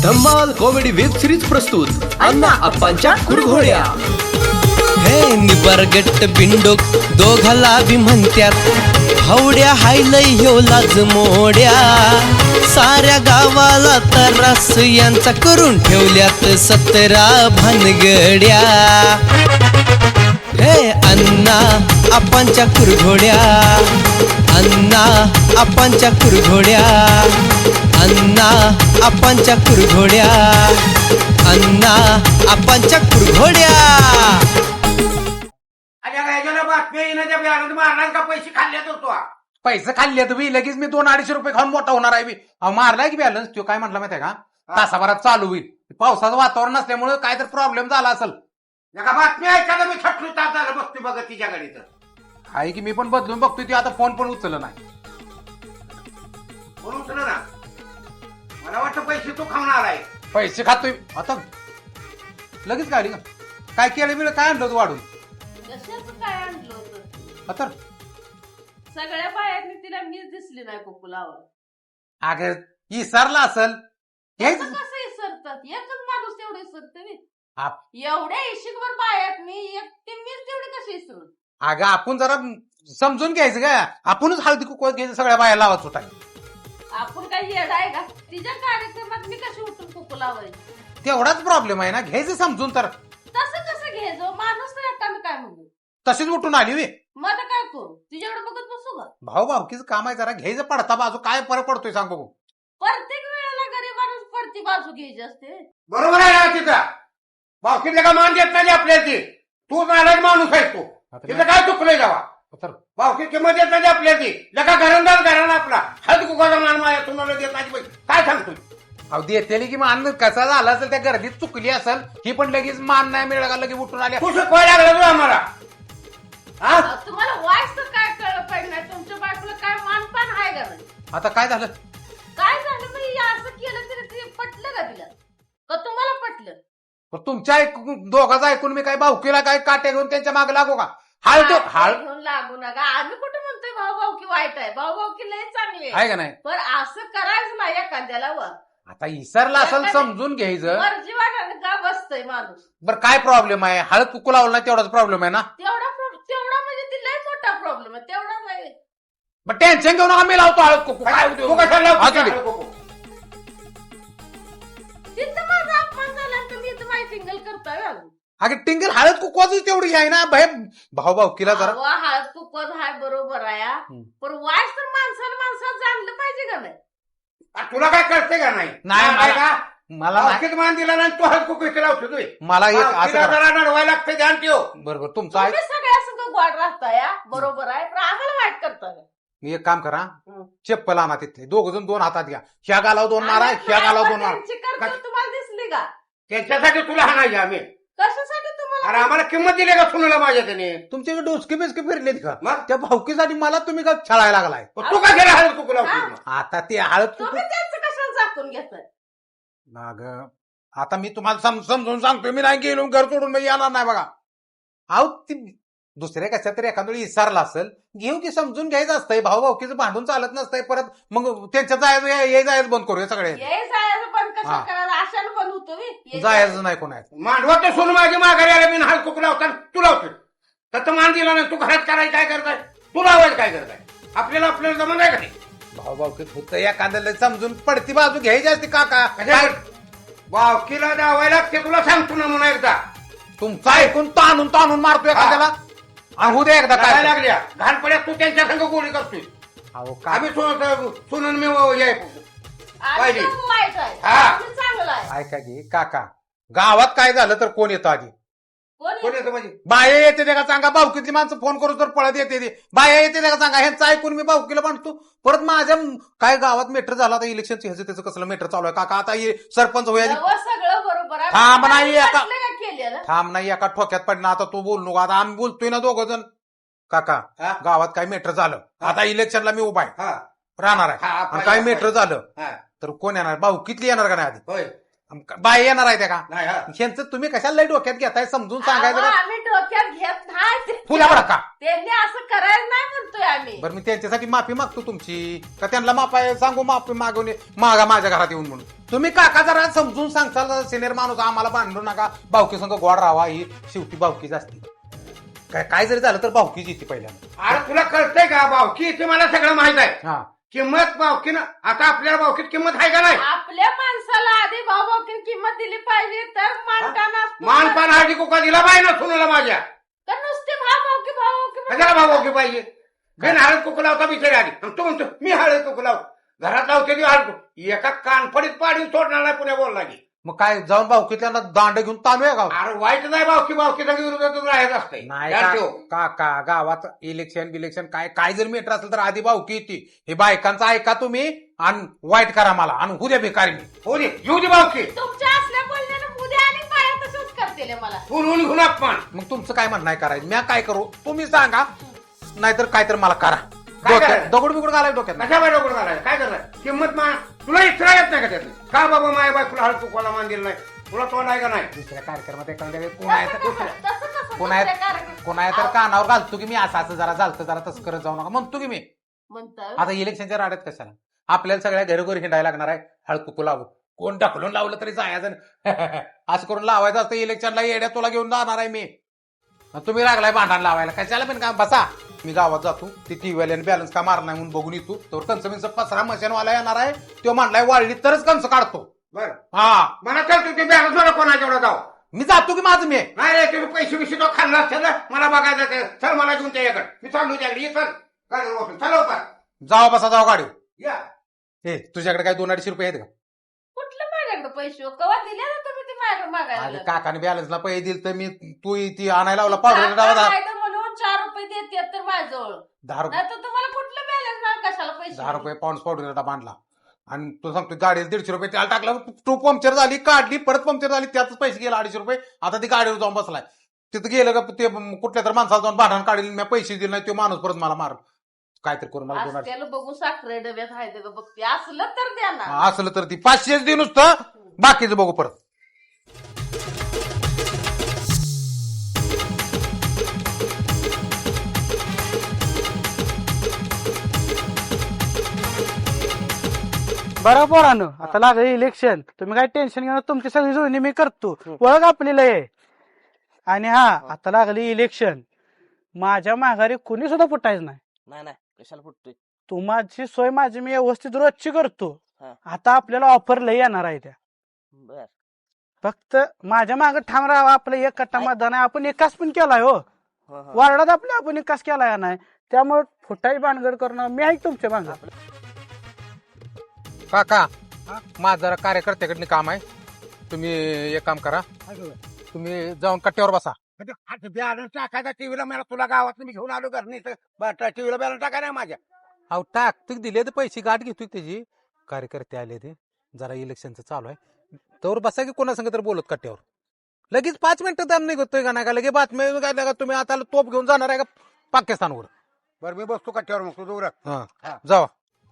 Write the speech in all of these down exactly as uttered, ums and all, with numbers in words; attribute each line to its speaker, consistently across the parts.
Speaker 1: धम्माल comedy web series प्रस्तुत अण्णा अप्पांच्या कुरघोड्या।
Speaker 2: हे निबरगट्ट बिंडोक दोघाला बी म्हणत्यात हवड्या हायलय ह्यो लाज मोड्या साऱ्या गावाला तरास यांचा करून ठेवल्यात सतरा भानगड्या। हे अण्णा अप्पांच्या कुरघोड्या, अण्णा अप्पांच्या कुरघोड्या, अण्णा अप्पांच्या कुरघोड्या, अण्णा अप्पांच्या कुरघोड्या।
Speaker 3: पैसे खाल्ले होतो
Speaker 4: पैसे खाल्ले तुम्ही लगेच मी दोन अडीचशे रुपये खाऊन मोठा होणार आहे मी मारलाय की बॅलन्स तो काय म्हटलं माहितीये का तासाभरात चालू होईल पावसाचं वातावरण नसल्यामुळे काय तर प्रॉब्लेम झाला असेल
Speaker 3: एका बातमी ऐकायला मी थटलो तास झालं बघते बघ तिच्या गाडी तर
Speaker 4: आहे की मी पण बदलून बघतोय ती आता फोन पण उचललं नाही
Speaker 3: फोन उचल ना मला वाटतं पैसे तू खाणार आहे
Speaker 4: पैसे खातोय आता लगेच गाडी का काय केलं बिलं काय आणलं तू वाढून
Speaker 5: कशाचं काय आणलं होतं
Speaker 4: आता
Speaker 5: सगळ्या बायांनी तिला मीच दिसली नाही कुकुलावर
Speaker 4: अगं विसरला असल
Speaker 5: कसं कसं विसरतात एकच माणूस तेवढे विसरते एवढ्या इशिकवर बायात मी एकटी मीच तेवढी कशी विसरून
Speaker 4: अगं आपण जरा समजून घ्यायचं का आपणच हळदी कुकवात घ्यायचं सगळ्या बाया लावत होता
Speaker 5: आपण काही येडा आहे का तिच्या कार्यक्रमात मी कशी उठून कुकुलावर
Speaker 4: तेवढाच प्रॉब्लेम आहे ना घ्यायचं समजून तर
Speaker 5: तसं कसं घ्यायचं माणूस नाही आता मी काय म्हणू
Speaker 4: तशीच उठून आली वे
Speaker 5: मग आता काय करू तिच्याकडे बघत बसू का
Speaker 4: भाऊ भाऊकीचं काम आहे जरा घ्यायचं पडता बाजू काय फरक पडतोय सांग बघू
Speaker 5: प्रत्येक वेळेला गरीब माणूस पडती बाजू घ्यायची असते
Speaker 3: बरोबर आहे ना तिचा भावकीतल्या का मान देत नाही आपल्याला ती तू नाराज माणूस आहेस तू तिथं काय चुकलंय जावा भावकी किंमत देत नाही आपल्याला ती लका घरंदाज घराणं आपला हळद कुकाचा मान माझ्या तुम्हाला देत नाही काय सांगतोय
Speaker 4: अहो देतेली की मान कसा झाला असेल त्या गर्दीत चुकली असेल ही पण लगेच मान नाही मिळाला का लगेच उठून आल्या
Speaker 3: तू शिकवायला लागला तू आम्हाला हा
Speaker 5: तुम्हाला वाईस तर काय कळलं पाहिजे नाही तुमच्या बायकोला काय मानपान आहे का नाही
Speaker 4: आता काय झालं
Speaker 5: काय झालं मग हे असं केलं तरी ते पटलं का तिला का तुम्हाला पटलं
Speaker 4: तुमच्या ऐकून दोघांचं ऐकून मी काय भाऊकीला काय काट्या घेऊन त्यांच्या मागे लागू का हळद हळद
Speaker 5: घेऊन लागू नका आम्ही कुठे म्हणतोय भाऊ भाऊ की वाईट आहे भाऊ भाऊ की लय चांगली
Speaker 4: आहे का नाही
Speaker 5: पण असं करायचं नाही एखाद्याला वर
Speaker 4: आता इसरला असेल समजून घ्यायचं
Speaker 5: मर्जी वाटाने का बसतय माणूस
Speaker 4: बरं काय प्रॉब्लेम आहे हळद कुकू लावलं नाही तेवढाच प्रॉब्लेम आहे ना
Speaker 5: तेवढा प्रॉब- तेवढा म्हणजे ती लय मोठा प्रॉब्लेम आहे तेवढा नाही
Speaker 4: मग टेन्शन घेऊन आम्ही लावतो हळद कुकू काय
Speaker 3: तू
Speaker 4: होतं?
Speaker 3: कशाला
Speaker 4: असू दे.
Speaker 3: लावतो कुकू?
Speaker 5: तिथं माझा अपमान झाला तर मी तर माहिती सिंगल करतोय अजून.
Speaker 4: अगं टिंगल हळद कुकवाच तेवढी आहे ना भाई भाऊ भाऊकीला जरा
Speaker 5: अहो, हळद कुकवत हाय बरोबर आहे हा. पण वाईस तर माणसाला माणसाला जाणलं पाहिजे का नाही
Speaker 3: आ, तुला काय कळते का नाही
Speaker 4: नाही,
Speaker 3: काय
Speaker 4: मला-
Speaker 3: का
Speaker 4: मला नाही-
Speaker 3: भावकीत मान दिला नाही तू हळद कुकू लावतो तू
Speaker 4: मला एक असं
Speaker 3: भावकीला
Speaker 4: करा.
Speaker 3: जरा नडवायला लागतं ध्यान ठेव
Speaker 4: बरोबर तुमचं आहे
Speaker 5: तुम्ही सगळ्या संग गोड राहताय हा. बरोबर आहे पण आम्हाला वाईट करताय
Speaker 4: मी एक काम करा चप्पल आणा तिथले दोघ जण दोन हातात घ्या ह्या गालाव दोन मारा ह्या गालाव दोन मारा
Speaker 5: त्यांची करतो तुम्हाला दिसली का
Speaker 3: त्यांच्यासाठी तुला हाणायचे आम्ही
Speaker 5: कशासाठी
Speaker 3: अरे
Speaker 5: तुम्हाला
Speaker 3: आम्हाला किंमत दिली का सुनाला माझ्या त्याने
Speaker 4: तुमच्याकडे डोसके बिस्के फिरलेत का
Speaker 3: मग?
Speaker 4: त्या भाऊकीसाठी मला तुम्ही का छळायला लागलाय
Speaker 3: पण तू काय केला हळद कुकू लावतो
Speaker 5: हा?
Speaker 4: आता ते हळद कुकू
Speaker 5: तुम्ही त्यांचं कशाला झाकून घेताय
Speaker 4: अगं आता मी तुम्हाला सम- समजून सांगतोय मी नाही गेलो घर सोडून मी येणार नाही बघा अहो ती दुसऱ्या कशा तरी एखाद्या वेळी विसरला असेल घेऊ की समजून घ्यायचं असतंय भाऊ भाऊकीचं भांडून चालत नसतंय परत मग त्यांच्या जायचं हे जायचं बंद करूया सगळे
Speaker 5: ये जायचं पण कसं
Speaker 4: हा.
Speaker 5: करायला आशाला पण होतो मी ये
Speaker 4: जायचं नाही कोणाचं
Speaker 3: मांडवा तर सोनू माझी माघारी आला मी हळद कुकू लावता तू लावतो तर मान दिला नाही तू घरात करायचं काय करताय तू लावायचं काय करताय आपल्याला आपल्याला जमत आहे का नाही
Speaker 4: भाऊ भाऊकीत होतं एखाद्याला समजून पडती बाजू घ्यायची असते काका
Speaker 3: काय वावकीला दावायला लागते तुला सांगतो ना म्हणून एकदा
Speaker 4: तुमचं ऐकून ताणून ताणून मारतो एखाद्याला आणू दे एकदा
Speaker 3: काय
Speaker 4: काय
Speaker 3: लागल्या घाण पड्यात तू त्यांच्या संग गोळी करतोय
Speaker 4: अहो काय
Speaker 3: आम्ही सोनून मी व- हे-
Speaker 5: आम्ही
Speaker 3: पाहिजे.
Speaker 5: दोघं वाईट आहे
Speaker 3: हा.
Speaker 5: आम्ही चांगलं आहे
Speaker 4: ऐका की काका गावात काय झालं तर कोण येतं आधी
Speaker 5: कोणी
Speaker 3: कोण येतं म्हणजे
Speaker 4: बाया येते ते का सांगा भाऊकीतली माणसं फोन करू तर पळत येते ते बाया येते ते का सांगा ह्यांचं ऐकून मी भाऊकीला बांधतो परत माझ्या काय गावात मेटर झाला आता इलेक्शनचं ह्याचं त्याचं कसलं मेटर चालू आहे काका आता हे सरपंच होया
Speaker 5: तेव्हा सगळं बरोबर आहे
Speaker 4: थांब नाही एका-
Speaker 5: वाटलं का केलेलं
Speaker 4: थांब नाही एका ठोक्यात पडणं आता तू बोल नको आता आम्ही बोलतोय ना दोघं जण काका
Speaker 3: हा?
Speaker 4: गावात काय मेटर झालं
Speaker 3: हा.
Speaker 4: आता इलेक्शनला मी उभा आहे
Speaker 3: हा
Speaker 4: राहणार
Speaker 3: हा,
Speaker 4: आहे आणि
Speaker 3: पाहिजे,
Speaker 4: काय मेटर झालं
Speaker 3: हा
Speaker 4: तर कोण येणार भाऊकीतली येणार का नाही आधी
Speaker 3: होय
Speaker 4: बाय येणार आहे त्या का
Speaker 3: नाही हा.
Speaker 4: ह्यांचं तुम्ही कशाला लई डोक्यात घेताय समजून सांगायचं
Speaker 5: अहो,
Speaker 4: का
Speaker 5: आम्ही डोक्यात घेत नाही ते-
Speaker 4: फुला बडा का
Speaker 5: त्यांनी असं करायला नाही म्हणतोय आम्ही.
Speaker 4: बरं मी त्यांच्यासाठी माफी मागतो तुमची का त्यांना माफी सांगू माफी मागवणे मागा माझ्या घरात येऊन म्हणून तुम्ही काका जरा समजून सांगताल सिनियर माणूस आम्हाला भांडू नका भावकी संग गोड राहावा ही शेवटी भावकीच असते काय काय जरी झालं तर भावकीच येते पहिल्यांदा
Speaker 3: अरे तुला कळतंय का भावकी ते मला सगळं माहित आहे
Speaker 4: हा
Speaker 3: किंमत भावकीनं आता आपल्याला भावकीत किंमत आहे का नाही
Speaker 5: आपल्या माणसाला आधी भाऊभाऊकीन किंमत दिली पाहिजे तर मानताना
Speaker 3: मानपान हाडी कुका दिला पाहिजे ना सुनाला माझ्या
Speaker 5: तर नुसते भाऊभाऊकी भाऊभाऊकी
Speaker 3: कशाला भावकी पाहिजे बिन हळद कुकू लावता बिचारी आली आणि तो म्हणतो मी हळद कुकू लाव घरात लावते ती हळद कुकू. एका कानफडीत पाडून सोडणार नाही पुण्या बोलला की
Speaker 4: मग काय जाऊन भावकीतल्या दांड घेऊन ताणूया गाव
Speaker 3: अरे वाईट नाही भावकी भावकी सगळी विरोधातच राहायचं असतंय
Speaker 4: नाही
Speaker 3: ध्यान
Speaker 4: का-
Speaker 3: ठेव.
Speaker 4: काका गावात इलेक्शन बिलेक्शन काय काय जर मीटर असेल तर आधी भावकी येते हे बायकांचं ऐका तुम्ही आणि वाईट करा मला आणि उद्या भिकारी मी
Speaker 3: हो दे येऊ दे भावकी
Speaker 5: तुमच्या असल्या बोलण्यानं उद्या आणि पाया तसंच करतील मला.
Speaker 3: फुलून घेऊन अपमान
Speaker 4: मग तुमचं काय म्हणणं आहे करायचं मी काय करू तुम्ही सांगा नाहीतर काय तर मला करा
Speaker 3: काय
Speaker 4: डोक्यात
Speaker 3: करायचं?
Speaker 4: दगड बिगड घालाय डोक्यात
Speaker 3: कशा बाय डोकं घालाय काय करणार किंमत मा तुला इच्छा येत नाही का त्यातली का बाबा माय बाय तुला हळद कुकवाला मान दिलं नाही तुला तोंड आहे का नाही
Speaker 4: दुसऱ्या कार्यक्रमात एखाद्या वेळी कोण आहे
Speaker 5: तसं
Speaker 4: तर
Speaker 5: कसं- तसं कसं
Speaker 4: कोण आहे
Speaker 5: दुसऱ्या कार्यक्रम-
Speaker 4: कोण आहे तर कानावर घालतो की मी असं असं जरा चालतं जरा तसं करत जाऊ नका म्हणतो की मी
Speaker 5: म्हणतं
Speaker 4: आता इलेक्शनच्या राड्यात कशाला आपल्याला सगळ्या घरोघरी हिंडायला लागणार आहे हळद कुकू लावू कोण ढकलून लावलं तरी जायचं असं करून लावायचं असतं इलेक्शनला येड्या तुला घेऊन जाणार आहे मी मग तुम्ही लागलाय भांडण लावायला कशाला पण का बसा मी गावात जातो ती टीव्हीवाल्याने बॅलन्स का मारणार नाही म्हणून बघून येतो तर कंस बिंच पसरा मशीनवाला येणार आहे तो म्हणलाय वाळली तरच कंस काढतो
Speaker 3: बरं
Speaker 4: हा
Speaker 3: मला चल तू ते बॅलन्स मला कोणाच्या एवढा जाऊ
Speaker 4: मी जातो की माझं मी
Speaker 3: नाही रे तुम्ही पैसे बिशे तो खाल्ला असेल ना मला बघायचं ते चल मला घेऊन त्याच्याकडे मी चाललो त्याकडे ये चल गाडीवर बसून चल लवकर
Speaker 4: जावा बसा जावा गाडी
Speaker 3: या
Speaker 4: हे तुझ्याकडे काय दोन अडीचशे रुपये आहेत का
Speaker 5: कुठलं माझ्याकडे पैसे हो? कवा दिले ना तुम्ही ते माझ्याकडे मागायला
Speaker 4: अरे
Speaker 5: लागले.
Speaker 4: काकाने बॅलन्सला पैसे दिले तर मी तू ती आणायला लावला पावडर
Speaker 5: काका
Speaker 4: डावा
Speaker 5: नाही तर म्हणून चार रुपये देतात तर माझ्याजवळ
Speaker 4: दहा रुपये
Speaker 5: नाही तर तुम्हाला कुठलं बॅलन्स नाही कशाला पैसे
Speaker 4: दहा रुपये पाऊंड पावडर डबा आणला आणि तू सांगतो गाडीला दीडशे रुपये त्याला टाकला तू पंक्चर झाली काढली परत पंक्चर झाली त्याच पैसे गेला अडीचशे रुपये आता ती गाडीवर जाऊन बसलाय तिथं गेलं का ते कुठल्या तर माणसाला जाऊन भांडण काढली मी पैसे दिले नाही तो माणूस परत मला मार काहीतरी करून मला दोन अडीचशे
Speaker 5: त्याला बघू साखरे डब्यात आहे ते बघते असलं तर द्या ना
Speaker 4: हा, असलं तर ती पाचशेच दे नुसतं बाकीचं बघू परत
Speaker 6: बरं पोरानं आता लागलं इलेक्शन तुम्ही काय टेन्शन घेणार तुमची सगळी जुळणी मी करतो ओळख आपली लय आहे. आणि हा आता लागली इलेक्शन माझ्या माघारी कुणी सुद्धा फुटायचं नाही
Speaker 7: नाही नाही कशाला फुटतोय
Speaker 6: तू माझी सोय माझी मी व्यवस्थित रोजची करतो
Speaker 7: हा.
Speaker 6: आता आपल्याला ऑफर लय येणार आहे त्या
Speaker 7: बर
Speaker 6: फक्त माझ्या मागे ठाम राहावं आपलं एक कट्टा मतदान आहे आपण एकाच पण केलाय हो
Speaker 7: हो, हो.
Speaker 6: वार्डात आपल्या आपण एकाच केलाय नाही त्यामुळे फुटाई भानगड करणं मी आहे तुमच्या मागं
Speaker 4: काका माझं जरा कार्यकर्त्याकडनं काम आहे तुम्ही एक काम करा तुम्ही जाऊन कट्ट्यावर बसा
Speaker 3: बॅलन्स टाकायचा टीव्हीला मला तुला गावात मी घेऊन आलो घर नाही टीव्हीला बॅलन्स टाकाय माझ्या
Speaker 4: अहो टाक तू दिले तर पैसे गाठ घेतोय त्याची कार्यकर्ते आले ते जरा इलेक्शनचं चालू आहे तर बसा की कोणा संग तर बोलत कट्ट्यावर लगेच पाच मिनिटं दम निघतोय का नाही का लगेच बातम्या काय का तुम्ही आता तोप घेऊन जाणार आहे का पाकिस्तानवर
Speaker 3: बरं मी बसतो कट्ट्यावर मग तू दूर
Speaker 4: हा
Speaker 3: हा.
Speaker 4: जावा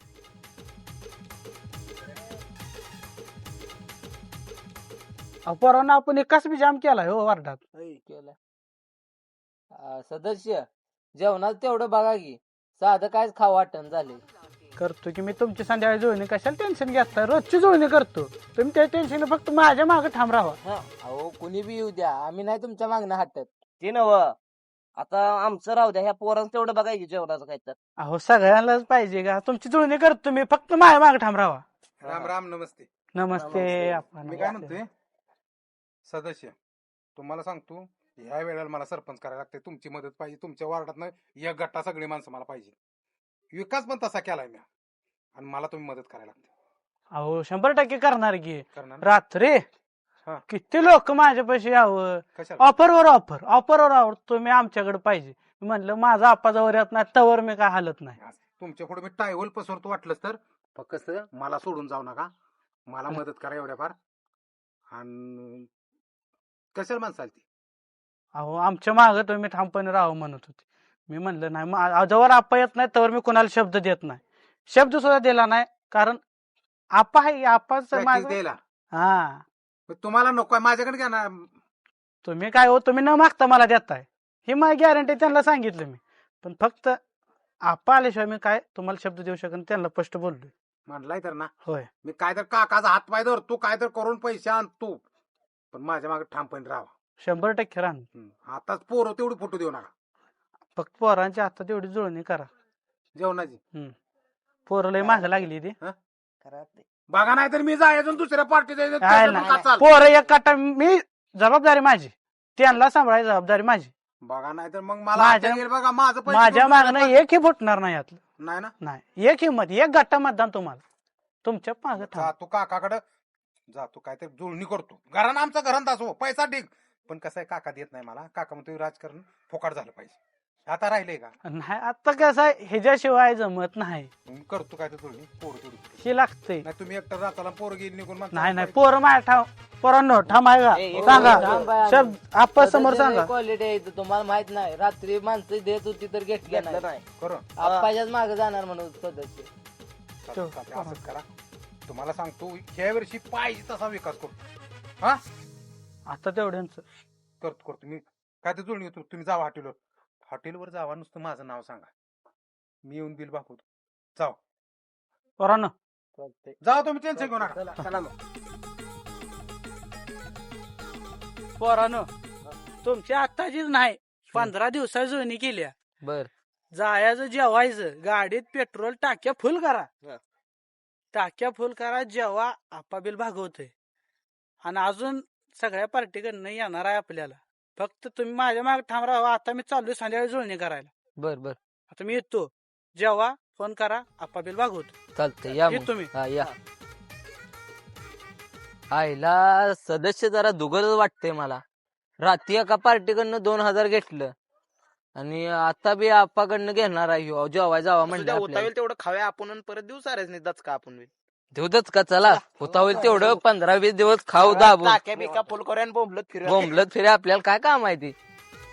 Speaker 6: पोरांना आपण एकाच बी जाम केलाय हो वार्डात
Speaker 7: केलं आ, सदस्य जेवणात तेवढं बघा की साधं कायच खावं वाटण झाले
Speaker 6: करतो की मी तुमची संध्याकाळी जुळणी कशाला टेन्शन घेता रोजची जुळणी करतो तुम्ही त्या टेन्शन फक्त माझ्या मागे ठाम राहा
Speaker 7: हा अहो कुणी बी येऊ द्या आम्ही नाही तुमच्या मागणं हटत
Speaker 8: ते नव आता आमचं राहू द्या ह्या पोरांचं तेवढं बघायची जेवणाचं काय तर
Speaker 6: अहो सगळ्यांनाच पाहिजे का तुमची जुळणी करतो मी फक्त माझ्या मागे ठाम राहा
Speaker 4: राम राम नमस्ते
Speaker 6: नमस्ते
Speaker 8: नमस्ते.
Speaker 6: आपण
Speaker 4: मी काय म्हणतोय सदस्य तुम्हाला सांगतो ह्या वेळेला मला सरपंच करायला लागते तुमची मदत पाहिजे तुमच्या वार्डात एक गट्टा सगळी माणसं मला पाहिजे विकास पण तसा केलाय मी आणि मला तुम्ही मदत करायला लागते
Speaker 6: अहो शंभर टक्के करणार की
Speaker 4: करणार ना?
Speaker 6: रात्री
Speaker 4: हा.
Speaker 6: किती लोक माझ्यापाशी यावं
Speaker 4: कशाला
Speaker 6: ऑफरवर ऑफर ऑफरवर ऑफर तुम्ही आमच्याकडे पाहिजे मी म्हणलं माझा आपा जवळ येत नाही तवर मी काय हालत नाही
Speaker 4: तुमच्या पुढे मी टायवल पसरतो वाटलंच तर फक्त मला सोडून जाऊ नका मला मदत करा एवढ्या फार आणि कशाला माणसाल ती
Speaker 6: अहो आमच्या मागं तुम्ही ठामपणे राहावं म्हणत होते मी म्हणलं नाही मग जवळ आपा येत नाही तवर मी कोणाला शब्द देत नाही शब्द सुद्धा दिला नाही कारण आपा आहे आपाच
Speaker 4: Practice द्यायला
Speaker 6: हा
Speaker 4: तुम्हाला नको आहे, माझ्याकडे घ्या ना.
Speaker 6: तुम्ही काय हो तुम्ही न मागता मला देताय ही माझी गॅरंटी त्यांना सांगितलं मी. पण फक्त आपा आल्याशिवाय मी काय तुम्हाला शब्द देऊ शकन त्यांना स्पष्ट बोललोय.
Speaker 4: म्हणलाय तर ना
Speaker 6: होय
Speaker 4: मी काय तर काकाचा हात पाय धर, तू काय तर करून पैसे आण तू, पण माझ्या मागे ठामपणे राहा.
Speaker 6: शंभर टक्के राहणार.
Speaker 4: हम्म. आताच पोरं तेवढी फुटू देऊ नका
Speaker 6: फक्त पोरांच्या हातात एवढी जुळणी करा.
Speaker 4: जेवणाची.
Speaker 6: पोरं लय माग लागली ती.
Speaker 4: बघा नाही तर मी जायचं दुसऱ्या पार्टीत
Speaker 6: काय नाही. पोरं एक काटा मी जबाबदारी माझी त्यांना सांभाळायची जबाबदारी माझी.
Speaker 4: बघा नाही तर मग मला
Speaker 6: माझ्या-
Speaker 4: आता येईल बघा माझं पैसे
Speaker 6: माझ्या
Speaker 4: घेऊन
Speaker 6: मागणं
Speaker 4: दुसऱ्या
Speaker 6: एकही फुटणार नाही यातलं.
Speaker 4: पार्टीत- नाही ना.
Speaker 6: नाही एक हिंमत एक गट्टा मतदान तुम्हाला तुमच्या माग
Speaker 4: जा तू काकाकडे जातो काय तर जुळणी करतो. घरानं आमचा घरात असो पैसा ठीक, पण कसं आहे काका देत नाही मला. काका म्हणतो राजकारण फोकाट झालं पाहिजे. आता राहिलंय का?
Speaker 6: नाही. आता कसं आहे ह्याच्याशिवाय जमत नाही.
Speaker 4: मग करतो काय तर जुळणी पोरं तेवढी.
Speaker 6: हे लागते.
Speaker 4: नाही तुम्ही एकटा जाताला पोरं गेली निघून म्हणता
Speaker 6: नाही नाही पोरं माझ्या ठाव पोरांनो ठाम आहे का सांगा शब्द आपा समोर सांगा.
Speaker 7: क्वालिटी आहे इथं, तुम्हाला माहित नाही. रात्री माणसं देत होती तर घेतलं नाही.
Speaker 8: नाही
Speaker 4: करू
Speaker 7: आप्पाच्याच मागे जाणार म्हणून सदस्य.
Speaker 4: चालतं, चालतं, असंच करा. तुम्हाला सांगतो ह्या वर्षी पाहिजे तसा विकास करतो. हा
Speaker 6: आता तेवढ्यांच
Speaker 4: करतो करतो मी काय तर जुळणी होतो. तुम्ही जावा हॉटेलवर. हॉटेलवर जावा नुसतं माझं नाव सांगा, मी येऊन बिल बापवतो. जाऊ
Speaker 6: पोरांनो
Speaker 4: जाऊ तुम्ही टेन्शन घेऊ नका.
Speaker 8: चला चला मग.
Speaker 6: पोरांनो तुमची आत्ताचीच नाही पंधरा दिवसा जुळणी केल्या.
Speaker 7: बर
Speaker 6: जायचं जेवायचं गाडीत पेट्रोल टाक्या फुल करा.
Speaker 8: हा.
Speaker 6: टाक्या फुल करा जेव्हा आपा बिल भागवतोय. आणि अजून सगळ्या पार्टीकडनं येणार आहे आपल्याला. फक्त तुम्ही माझ्या मागे ठाम राहा. आता मी चाललोय संध्याकाळी जुळणी करायला.
Speaker 7: बर बर
Speaker 6: आता मी येतो जेव्हा फोन करा आपा बिल भागवतो.
Speaker 7: चालतंय या मग.
Speaker 6: येतो मी.
Speaker 7: हा या. आईला सदस्य जरा दुगल वाटतंय मला. रात्री एका पार्टीकडनं दोन हजार घेतलं आणि आता बी आप्पाकडनं घेणार आहे ह्यो. जेवाय जावा म्हणलं आपल्याला.
Speaker 1: तेवढं खाव्या आपण परत दिवस नाही दचका आपण
Speaker 7: देऊदच का चला होता होईल तेवढं पंधरा वीस दिवस खाऊ दाबून
Speaker 1: टाक्या बिका फुल करूया आणि बोंबलत फिरूया.
Speaker 7: बोंबलत फिरे आपल्याला काय काम आहे ते.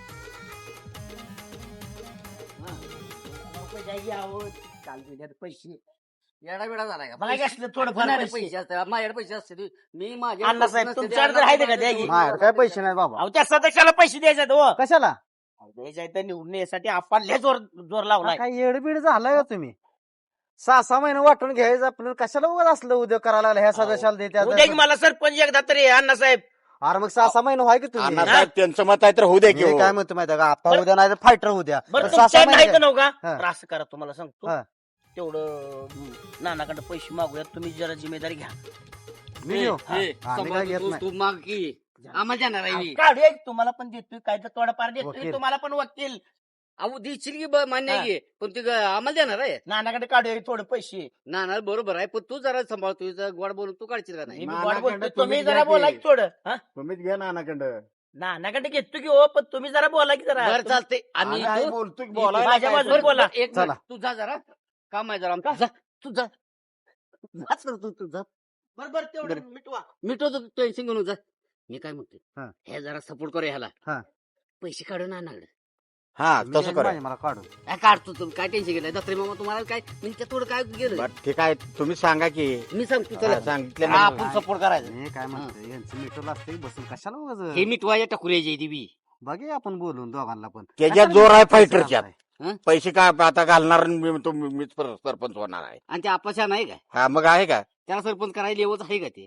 Speaker 8: काल दिल्यात पैसे येडा वेडा झालाय का? मला असलं थोडंफार पैसे असतात माझ्याकडे पैसे असते. मी माझ्या
Speaker 1: अण्णासाहेब, तुमच्याकडे तर आहे का द्या की?
Speaker 9: काय पैसे नाही बाबा.
Speaker 1: अहो त्या सदस्याला पैसे द्यायचे हो
Speaker 9: कशाला
Speaker 1: द्यायचे तर निवडून यासाठी आपण लय जोर जोर लावलाय.
Speaker 9: काय येडबीड झालाय का तुम्ही? सहा सहा महिने वाटून घ्यायचं आपल्याला कशाला उगाच असलं उद्या करायला लागलं ह्या सदस्याला
Speaker 1: उद्या की
Speaker 9: देत्या.
Speaker 1: मला सरपंच एकदा तरी अण्णासाहेब.
Speaker 9: अरे मग सहा सहा महिने व्हाय की तुम्ही
Speaker 3: अण्णासाहेब त्यांचं मत आहे तर होऊ द्या की
Speaker 9: मी
Speaker 3: हो.
Speaker 9: काय म्हणतो माहिती का आपण
Speaker 1: बरं.
Speaker 9: उद्या नाही फायटर उद्या
Speaker 1: बरं
Speaker 9: सहा सहा
Speaker 1: तुमच्या नाही
Speaker 9: महिने
Speaker 1: तर नव्हता
Speaker 9: हा.
Speaker 1: तर असं करा तुम्हाला सांगतो
Speaker 9: हा.
Speaker 1: तेवढं हं, नानाकडे पैसे मागूयात तुम्ही जरा जिम्मेदारी घ्या.
Speaker 9: मी येऊ.
Speaker 8: हे,
Speaker 9: हा, आम्ही काय घेत
Speaker 8: तू-
Speaker 9: नाही.
Speaker 8: तू माग की आम्हाला जाणार आहे मी.
Speaker 1: काढूया की तुम्हाला पण देतोय काय तर थोडाफार देतोय
Speaker 9: वकील.
Speaker 1: तुम्हाला पण वकील.
Speaker 8: अहो देशील की ब- मान्य आहे की, पण ते ग- आम्हाला देणार आहे
Speaker 1: नानाकडे काढूया की थोडे पैसे.
Speaker 8: ना ना बरोबर आहे, पण तू जरा सांभाळ, तू जरा गोड बोलून तू काढशील का नाही.
Speaker 1: मी
Speaker 9: नानाकडे
Speaker 1: गोड बोलतोय,
Speaker 9: तुम्ही
Speaker 1: तुम्ही
Speaker 9: घ्या
Speaker 1: जरा
Speaker 9: की.
Speaker 1: बोला की थोडं हा?
Speaker 9: तुम्हीच घ्या नानाकडं.
Speaker 1: नानाकडे घेतो की हो पण तुम्ही जरा बोला की जरा.
Speaker 8: बरं चालते आणि
Speaker 9: आम्ही आई
Speaker 8: तू-
Speaker 9: बोलतो की
Speaker 8: तू-
Speaker 9: बोलायला
Speaker 1: माझ्या
Speaker 9: काय
Speaker 1: बाजूने
Speaker 9: तर.
Speaker 1: बोला.
Speaker 8: एक
Speaker 9: चला.
Speaker 8: मिनिट, तू जा जरा काम आहे जरा आमचं. जा तू जा जाच कर तू तू जा
Speaker 1: बरं बरं तेवढं
Speaker 8: बरं.
Speaker 1: मिटवा.
Speaker 8: मिटवतो टेन्शन घेऊन जा. मी काय
Speaker 9: हा.
Speaker 8: म्हणतोय हे जरा सपोर्ट करूया ह्याला.
Speaker 9: हा.
Speaker 8: पैसे काढू ना नागडे
Speaker 3: हा
Speaker 9: मी
Speaker 3: तसं
Speaker 9: नाही
Speaker 3: करा.
Speaker 9: माझे मला काढून
Speaker 8: काय काढतो तुम्ही काय टेन्शन घेतलंय दत्रे मामा तुम्हाला काय मी त्या थोडं काय गेलं
Speaker 3: बरं, ठीक आहे तुम्ही सांगा की
Speaker 8: मी सांगतो
Speaker 3: हा,
Speaker 8: चला
Speaker 3: सांगितलं
Speaker 1: हा,
Speaker 3: ना.
Speaker 1: आपण सपोर्ट करायचं.
Speaker 9: मी काय म्हणतो यांचं मिटवलं असतं बसून कशाला
Speaker 8: हे
Speaker 9: उगाच
Speaker 8: मिटवाया टाकूया देवी
Speaker 9: बघे आपण बोलून दोघांना पण
Speaker 3: त्याच्यात जोर आहे फायटरच्यात.
Speaker 8: हं?
Speaker 3: पैसे काय आता घालणार आणि मी तो मीच पर- सरपंच होणार आहे.
Speaker 8: आणि ते आपाशा नाही काय
Speaker 3: हा मग आहे का
Speaker 8: त्याला सरपंच करायला लेवच आहे का ते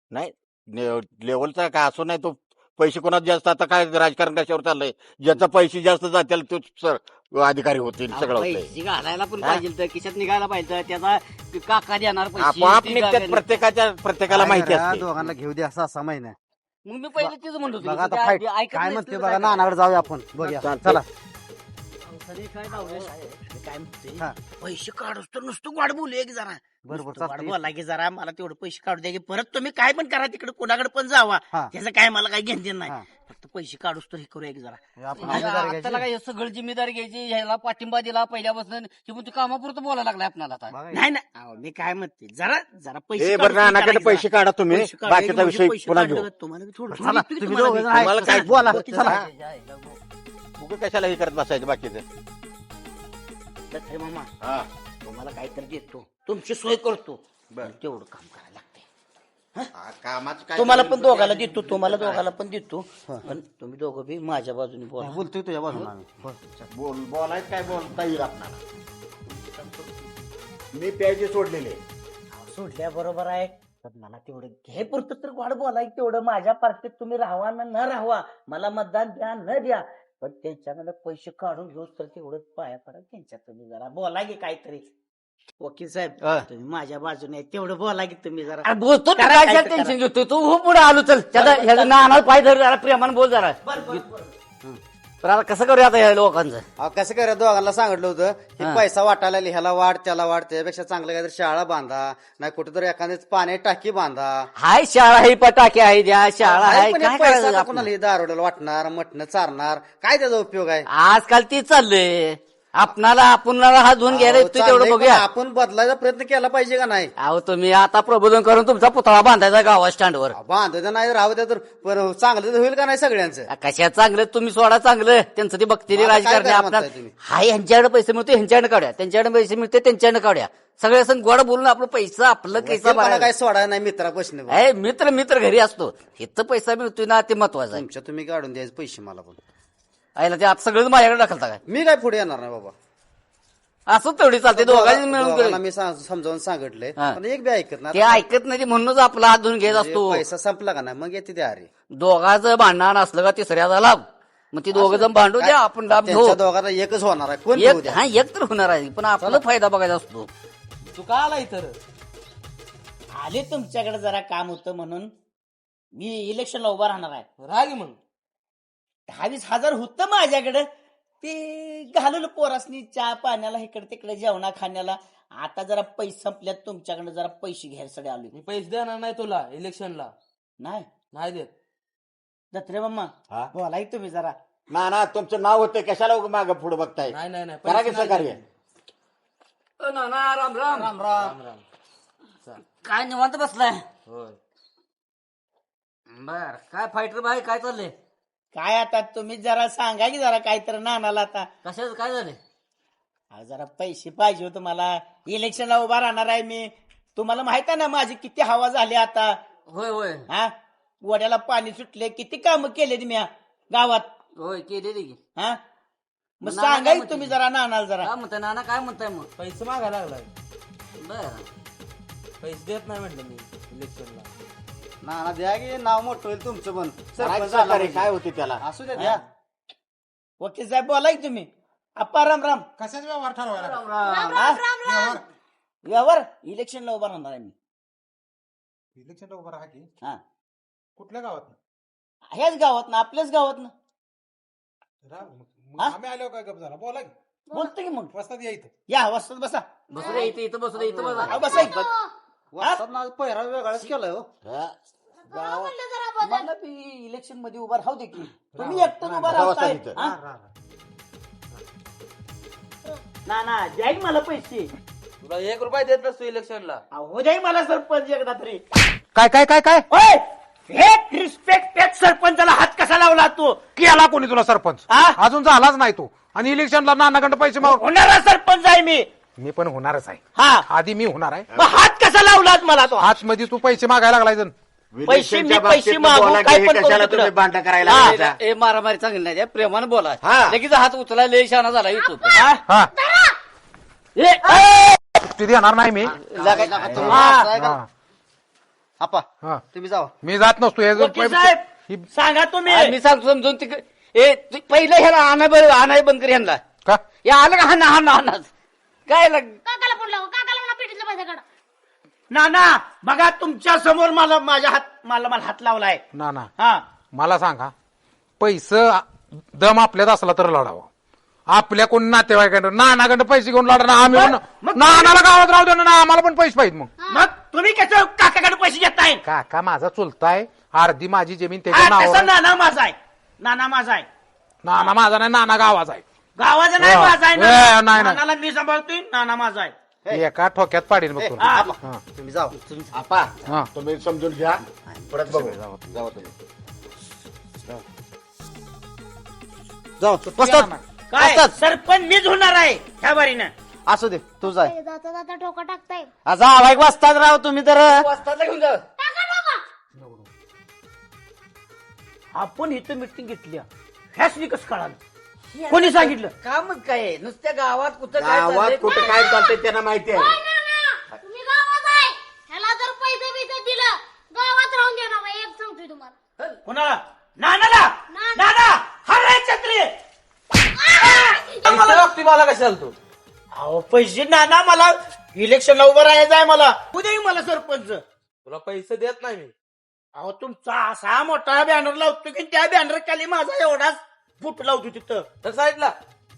Speaker 3: लेवलचा काय असो नाही तो पैसे कोणात जास्त आता काय राजकारण कशावर चाललंय ज्याचा पैसे जास्त जातील तो सर अधिकारी होतील
Speaker 8: अहो,
Speaker 3: सगळं होतंय.
Speaker 8: पैसे घालायला पण
Speaker 3: हा?
Speaker 8: पाहिजे तर खिशात निघायला पाहिजे त्याचा ते काका देणार पैसे
Speaker 3: आपोआप
Speaker 8: ती
Speaker 3: निघतात
Speaker 8: जागा-
Speaker 3: प्रत्येकाच्या प्रत्येकाला
Speaker 9: काय
Speaker 3: माहिती
Speaker 9: करा,
Speaker 3: असते.
Speaker 9: दोघांना घेऊ द्या सहा सहा महिने
Speaker 8: मग मी पहिले तेच म्हणतो
Speaker 9: बघा आता फाईट काय म्हणते बघा नानाकडे जाऊया आपण बघूया
Speaker 3: चालतंय.
Speaker 9: चला
Speaker 8: काय लावलंय?
Speaker 1: मी काय म्हणतोय
Speaker 9: हा.
Speaker 1: पैसे काढूस तर नुसतं गोड बोलूया की जरा.
Speaker 9: बरोबर
Speaker 1: नुसतं गोड
Speaker 9: चालतंय.
Speaker 1: बोला की जरा मला तेवढं पैसे काढू द्या की परत तुम्ही काय पण करा तिकडे कोणाकडे पण जावा
Speaker 9: हा.
Speaker 1: त्याचं काय मला काही घेणं नाही
Speaker 9: हा.
Speaker 1: फक्त पैसे काढूस तर हे करूया की जरा.
Speaker 9: हे आपण
Speaker 8: आता
Speaker 9: जिम्मेदारी
Speaker 8: त्याला
Speaker 9: घ्यायची.
Speaker 8: काय सगळं जिम्मेदारी घ्यायची ह्याला पाठिंबा दिला पहिल्यापासून की मग तू कामापुरतं बोलायला लागलाय आपल्याला आता
Speaker 9: बघा,
Speaker 1: नाही नाही अहो, मी काय म्हणते जरा जरा पैसे
Speaker 3: हे
Speaker 1: काढूस
Speaker 3: बरं
Speaker 1: तर
Speaker 3: नानाकडे
Speaker 1: करा की
Speaker 3: पैसे
Speaker 1: जरा.
Speaker 3: काढा तुम्ही
Speaker 1: पैसे काढूया की
Speaker 3: बाकीचा
Speaker 1: म्हणजे
Speaker 3: विषय
Speaker 1: पैसे
Speaker 3: पुन्हा
Speaker 1: काढलं
Speaker 3: घेऊ.
Speaker 1: का तुम्हाला बी थोडं
Speaker 9: चला
Speaker 1: थोडं
Speaker 9: तुम्ही
Speaker 1: तुम्हाला
Speaker 9: दोघं
Speaker 1: बी.
Speaker 9: जण आहेत.
Speaker 3: तुम्हाला काय-
Speaker 9: बोला
Speaker 1: चला.
Speaker 9: चला
Speaker 3: उगा कशाला हे करत बसायचं बाकीचं.
Speaker 1: दत्रे मामा
Speaker 3: हा
Speaker 1: तुम्हाला काहीतरी देतो तुमची सोय करतो
Speaker 3: बरं.
Speaker 1: तेवढं काम करायला लागते
Speaker 3: हा, कामाचं काय
Speaker 8: तुम्हाला
Speaker 3: करून
Speaker 8: पण दोघाला
Speaker 3: काय-
Speaker 8: देतो तुम्हाला दोघाला पण देतो पण तुम्ही दोघं बी माझ्या बाजूने बोला
Speaker 9: बोलतोय तुझ्या बाजूला आम्ही
Speaker 3: बोल बोलायचं काय बोलता येईल आपल्याला मी प्यायचे सोडलेले
Speaker 8: सोडल्या बरोबर आहे पण मला तेवढं घे पुरतं तर गोड बोलाय तेवढं माझ्या पार्टीत तुम्ही राहावा ना न राहावा मला मतदान द्या न द्या पण त्यांच्याकडे पैसे काढून घेऊ तर तेवढं पाया पडा त्यांच्या तुम्ही जरा बोला की काहीतरी वकील साहेब तुम्ही माझ्या बाजूने आहे, तेवढं बोला की तुम्ही जरा
Speaker 7: बोलतो
Speaker 8: करा,
Speaker 7: काय
Speaker 8: काहीतरी
Speaker 7: टेन्शन
Speaker 8: करा.
Speaker 7: घेतो तू हो पुढे आलो चल त्याचा ह्याचा नाना पाय धर जरा प्रेमानं बोल जरा पण आता कसं करूया आता ह्या लोकांचं
Speaker 9: अहो, कसं करा दोघांना सांगितलं होतं की
Speaker 7: हा.
Speaker 9: पैसा वाटायला ह्याला वाढ त्याला वाढ त्यापेक्षा चांगलं काहीतरी शाळा बांधा नाही कुठेतरी एखादी पाणी टाकी बांधा
Speaker 7: हाय शाळा ही पटाके आहे द्या शाळा
Speaker 9: नाही,
Speaker 7: आहे
Speaker 9: पण हे
Speaker 7: काय
Speaker 9: पैसा
Speaker 7: करायचं
Speaker 9: आता
Speaker 7: आपण?
Speaker 9: कोणाला हे दारोड्याला वाटणार मटणं चारणार काय त्याचा उपयोग आहे
Speaker 7: आजकाल ती चाललंय आपणाला आपणाला हात धुवून घ्यायला
Speaker 9: अहो,
Speaker 7: येतोय तेवढं
Speaker 9: चाललंय, पण
Speaker 7: बघूया
Speaker 9: आपण बदलायचा प्रयत्न केला पाहिजे का नाही
Speaker 7: अहो तुम्ही आता प्रबोधन करून तुमचा पुतळा बांधायचा गावा स्टँडवर
Speaker 9: बांधायचं नाही राहू द्या तर पण चांगलं तर होईल का नाही सगळ्यांचं
Speaker 7: कशा चांगलं तुम्ही सोडा चांगलं त्यांचं ते बघतील
Speaker 9: आता काय
Speaker 7: राजकारणी
Speaker 9: करा
Speaker 7: आपल्या
Speaker 9: म्हणताय तुम्ही?
Speaker 7: हाय ह्यांच्याकडे पैसे मिळते ह्यांच्याकडे काढ्या त्यांच्याकडे पैसे मिळते त्यांच्याकडे काढ्या सगळे असं गोड बोलून आपलं पैसा आपलं कैसा
Speaker 9: मला काय
Speaker 7: भरायचं.
Speaker 9: सोडायला नाही मित्रापासून
Speaker 7: ए मित्र मित्र घरी असतो इथं पैसा मिळतोय ना ते महत्वाचं आहे
Speaker 9: तुमच्या तुम्ही काढून द्यायचे पैसे मला पण
Speaker 7: आईला ते आता सगळं माझ्याकडे दाखलता काय
Speaker 9: मी काय पुढे येणार नाही बाबा
Speaker 7: असं तेवढी चालते दोघांनी मिळून
Speaker 9: दोघांना
Speaker 7: केलं.
Speaker 9: मी सा- समजावून सांगितलंय
Speaker 7: हा.
Speaker 9: पण एक बी ऐकत नाही
Speaker 7: ते ऐकत नाही ते म्हणूनच आपला हात धुवून घेत असतो
Speaker 9: पैसा संपला का नाही मग येते ते अरे
Speaker 7: दोघांचं भांडण असलं का तिसऱ्याचा लाभ मग ती दोघं जण भांडू द्या आपण लाभ घेऊ
Speaker 9: त्यांच्या दोघांना एकच होणार आहे कोण घेऊ
Speaker 7: एक
Speaker 9: द्या
Speaker 7: हा एक तर होणार आहे पण आपला फायदा बघायचा असतो
Speaker 2: तू का आला इतर
Speaker 8: आले तुमच्याकडे जरा काम होतं म्हणून मी इलेक्शनला उभा राहणार आहे
Speaker 2: राग मग
Speaker 8: दहावीस हजार होतं माझ्याकडे ते घालवलं पोरासनी चहा पाण्याला इकडे तिकडे जेवणा खाण्याला आता जरा पैसे संपल्यात तुमच्याकडे जरा पैसे घ्यायसाठी आलो
Speaker 2: मी पैसे देणार नाही तुला इलेक्शनला
Speaker 8: नाही
Speaker 2: नाही देत
Speaker 8: दत्रे मामा
Speaker 3: हा?
Speaker 8: बोला की तुम्ही जरा
Speaker 3: ना ना तुमचं नाव होतं कशाला माग पुढे बघताय
Speaker 2: नाही नाही नाही
Speaker 3: करा की
Speaker 2: पैसे नाही
Speaker 3: सहकार्य
Speaker 2: देत.
Speaker 7: नाना राम राम
Speaker 8: राम राम
Speaker 2: राम राम
Speaker 7: काय निवांत बसलाय
Speaker 2: होय
Speaker 7: बर काय फायटर भाई काय चाललंय
Speaker 8: काय आता तुम्ही जरा सांगा की जरा काहीतरी नानाला आता
Speaker 7: कशाचं काय झालंय
Speaker 8: अहो, जरा पैसे पाहिजे होते मला इलेक्शनला उभा राहणार आहे मी तुम्हाला माहित आहे ना माझी किती हवा झाली आता
Speaker 7: होय होय
Speaker 8: हा वड्याला पाणी सुटले किती कामं केले मी गावात
Speaker 7: होय केलेली की
Speaker 8: हा मग
Speaker 7: नाना
Speaker 8: सांगा
Speaker 7: काय
Speaker 8: की
Speaker 7: म्हणते?
Speaker 8: तुम्ही जरा नानाला जरा
Speaker 7: काय म्हणताय नाना काय म्हणताय मग
Speaker 2: पैसे मागायला लागलाय
Speaker 7: बर
Speaker 2: पैसे देत नाही म्हटलं मी इलेक्शनला
Speaker 9: ना द्या की नाव मोठं होईल तुमचं पण
Speaker 3: करा की
Speaker 9: सरपंच झाला
Speaker 3: सहकार्य
Speaker 9: म्हणजे.
Speaker 3: काय होते त्याला
Speaker 9: असू द्या द्या
Speaker 8: वकील साहेब बोला की तुम्ही अप्पा राम राम
Speaker 4: कशाच व्यवहार ठरवायला
Speaker 5: राम राम राम राम
Speaker 8: यावर इलेक्शनला उभा राहणार आहे मी
Speaker 4: इलेक्शनला उभं राहा की
Speaker 8: हा
Speaker 4: कुठल्या गावात
Speaker 8: ह्याच गावात ना आपल्याच गावात ना हा?
Speaker 4: आम्ही आलो काय गप झाला बोला की
Speaker 8: बोलतो की मग
Speaker 4: वस्तात या इथं
Speaker 8: या वस्तात बसा
Speaker 7: बसू दे इथं इथं बसू दे इथं बसा
Speaker 8: अहो, बसा इथं.
Speaker 9: वाजतात ना पहिरा वेगळाच केलाय हो
Speaker 3: हा.
Speaker 5: जरा म्हणलं जरा बदल.
Speaker 8: मला बी इलेक्शन मध्ये उभा राहू दे की तुम्ही एकटं उभा राहताय
Speaker 3: गावात इथं.
Speaker 8: हा? ना ना द्या की मला पैसे
Speaker 2: तुला एक रुपया देत नसतो इलेक्शनला
Speaker 8: हो द्या की मला सरपंच एकदा तरी
Speaker 4: काय काय काय काय
Speaker 8: ओय! एक रिस्पेक्ट एक सरपंचाला हात कसा लावला तू
Speaker 4: केला कोणी तुला सरपंच
Speaker 8: हा?
Speaker 4: अजून झालाच नाही तू आणि इलेक्शनला नानाकडे पैसे माग
Speaker 8: होणारा सरपंच आहे मी
Speaker 4: मी पण होणारच आहे
Speaker 8: हा
Speaker 4: आधी मी होणार आहे
Speaker 8: मग हात कसा लावलात मला तो
Speaker 4: आज मध्ये तू पैसे मागायला लागलाय जण
Speaker 8: पैसे मी
Speaker 3: इलेक्शनच्या
Speaker 8: पैसे
Speaker 3: बाबतीत
Speaker 8: मागू,
Speaker 3: बोला की
Speaker 8: काय
Speaker 3: हे
Speaker 8: पण करू
Speaker 3: कशाला
Speaker 8: तिकडं.
Speaker 3: तुम्ही भांडण करायला
Speaker 8: हा.
Speaker 3: लागलाय?
Speaker 7: ए मारामारी चांगली नाही त्या प्रेमानं बोला
Speaker 3: हा.
Speaker 7: लगेच हात उचलायला लय शहाणा झाला युट्यूब
Speaker 8: हा?
Speaker 4: हा
Speaker 8: ए, ए!
Speaker 4: सुट्टी देणार नाही मी
Speaker 8: लगा-
Speaker 9: तुम्ही
Speaker 8: हा.
Speaker 9: असं आहे का?
Speaker 4: हा,
Speaker 9: आपा
Speaker 4: हा.
Speaker 9: तुम्ही जावा
Speaker 4: मी जात नसतो हे जर
Speaker 8: वकील साहेब
Speaker 4: ही-
Speaker 8: सांगा
Speaker 7: आ,
Speaker 8: तुम्ही
Speaker 7: मी सांगतो समजून तिकडे ए तू पहिलं ह्याला आणा बरं आणाय बंद कर ह्यांना
Speaker 4: का
Speaker 7: या आलं का हाना हाना हाना काय लाग
Speaker 5: काकाला फोन लावा काकाला म्हणा पेटीतलं पैसे काढा
Speaker 8: ना ना बघा तुमच्या समोर मला माझ्या हात मला मला हात लावलाय
Speaker 4: ना ना
Speaker 8: हा
Speaker 4: मला सांगा पैसे दम आपल्यात असला तर लढावं आपल्या कोण नातेवाईकांना नानाकडे पैसे घेऊन लढा ना आम्ही पण-
Speaker 8: मग-
Speaker 4: नानाला गावात राहू दे ना आम्हाला पण पैसे पाहिजे मग
Speaker 8: मग तुम्ही कसं काकाकडे पैसे घेताय
Speaker 4: काका माझा चुलताय अर्धी माझी जमीन त्याच्या
Speaker 8: हा,
Speaker 4: नावावर
Speaker 8: तसं
Speaker 4: आहे.
Speaker 8: नाना माझा आहे नाना माझा आहे
Speaker 4: नाना माझा नाही नाना गावाचा आहे
Speaker 8: गावाचा नाही
Speaker 4: हा.
Speaker 8: माझा आहे
Speaker 4: ए, नाही,
Speaker 8: नाना.
Speaker 4: नाही.
Speaker 8: नानाला मी सांभाळतोय नाना माझा आहे
Speaker 4: एका ठोक्यात पाडीन बघ तुला.
Speaker 8: हा.
Speaker 4: हा.
Speaker 9: तुम्ही जावा
Speaker 3: आपा
Speaker 4: हा.
Speaker 3: तुम्ही समजून घ्या परत बघू जावा तुम्ही
Speaker 9: जाऊ
Speaker 4: नाना.
Speaker 8: काय सरपंच मीच होणार आहे ह्या बारीनं
Speaker 9: असू दे तू जाय
Speaker 5: जाता जाता ठोका टाकताय
Speaker 9: जा एक वाजतात राव तुम्ही तर
Speaker 7: वस्तादला घेऊन जा
Speaker 5: टाका ठोका
Speaker 8: आपण इथं मिटिंग घेतली ह्याच कसं कळालं कोणी सांगितलं
Speaker 2: कामच काय आहे? नुसत्या गावात कुठं काय
Speaker 3: गावात
Speaker 2: चाललंय?
Speaker 3: कुठं काय चालतंय त्यांना माहिती आहे
Speaker 5: तुम्ही गावात आहे ह्याला जर पैसे बिसे दिलं गावात राहून देणार नाही एक सांगतोय तुम्हाला
Speaker 8: कोणाला नानाला नाना हराय छत्री
Speaker 2: पैसे लागतोय मला कशाला तू
Speaker 8: अहो पैसे नाना मला इलेक्शनला उभं राहायचं आहे मला उद्याही मला सरपंच
Speaker 2: तुला पैसे देत नाही मी
Speaker 8: अहो तुमचा असा मोठा बॅनर लावतो की त्या बॅनर खाली माझा एवढाच फुट लावतो तिथं
Speaker 2: तर साईडला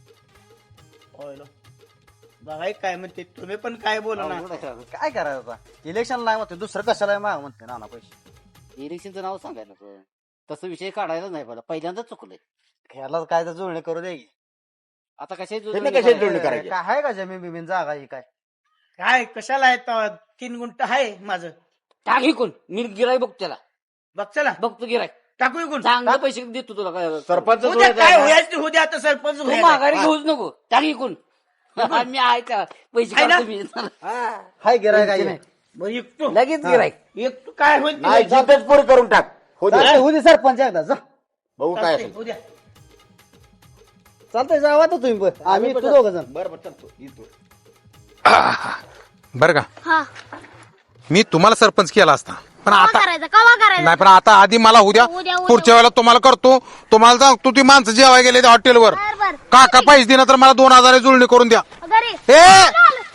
Speaker 8: बघाय काय म्हणते तुम्ही पण काय बोला ना
Speaker 9: काय करायचं आता इलेक्शन नाही म्हणते दुसरं कशाला माग म्हणते नाना पैसे
Speaker 10: इलेक्शनचं नाव सांगायला नको तसं विषय काढायला नाही मला पहिल्यांदाच चुकलंय
Speaker 9: ह्याला काय तर जुळणी करू दे की.
Speaker 10: आता कशाची
Speaker 3: त्यांना कशाची जुळणी करायची
Speaker 9: काय आहे का जमीन बिमीन जागा ही काय
Speaker 8: काय कशाला आहे तेव्हा? तीन गुंट आहे माझं
Speaker 10: टाक इकून मी गिराय बघ त्याला
Speaker 8: बघ चला
Speaker 10: बघतो गिराय
Speaker 8: टाकू इकून
Speaker 10: चांगलं पैसे देतो तुला काय
Speaker 3: सरपंच
Speaker 8: उद्या काय होयाचं होऊ द्या आता सरपंच
Speaker 10: तू
Speaker 8: होऊया.
Speaker 10: माघारी घेऊच नको टाक इकून मी आहे का पैसे
Speaker 8: आहे ना?
Speaker 10: काढतो मी.
Speaker 9: हाय गिराय काय
Speaker 8: बरं, एकटो
Speaker 10: लगेच गिराय
Speaker 8: एकटो काय होईल ते
Speaker 3: नाही
Speaker 8: होईल.
Speaker 3: जिथेच पुरी करून टाक हो दे.
Speaker 9: होऊ दे सरपंच एकदा जा
Speaker 3: बघू काय
Speaker 8: चालतंय,
Speaker 3: असेल
Speaker 8: होऊ द्या.
Speaker 9: चालतंय जावा तर तुम्ही पण. आम्ही तू दोघ जण
Speaker 3: बरं बरं चालतो येतो
Speaker 4: बरं का
Speaker 5: हा
Speaker 4: मी तुम्हाला सरपंच केला असता पण
Speaker 5: कवा
Speaker 4: आता
Speaker 5: करायचं कवा करायचं
Speaker 4: नाही पण आता आधी मला उद्या
Speaker 5: उद्या, उद्या.
Speaker 4: पुढच्या वेळेला तुम्हाला करतो तुम्हाला सांगतो ती माणसं जेवाय गेले त्या हॉटेलवर
Speaker 5: बर बर
Speaker 4: काका पैसे दिना तर मला दोन हजार जुळणी करून द्या
Speaker 5: घरी
Speaker 4: ए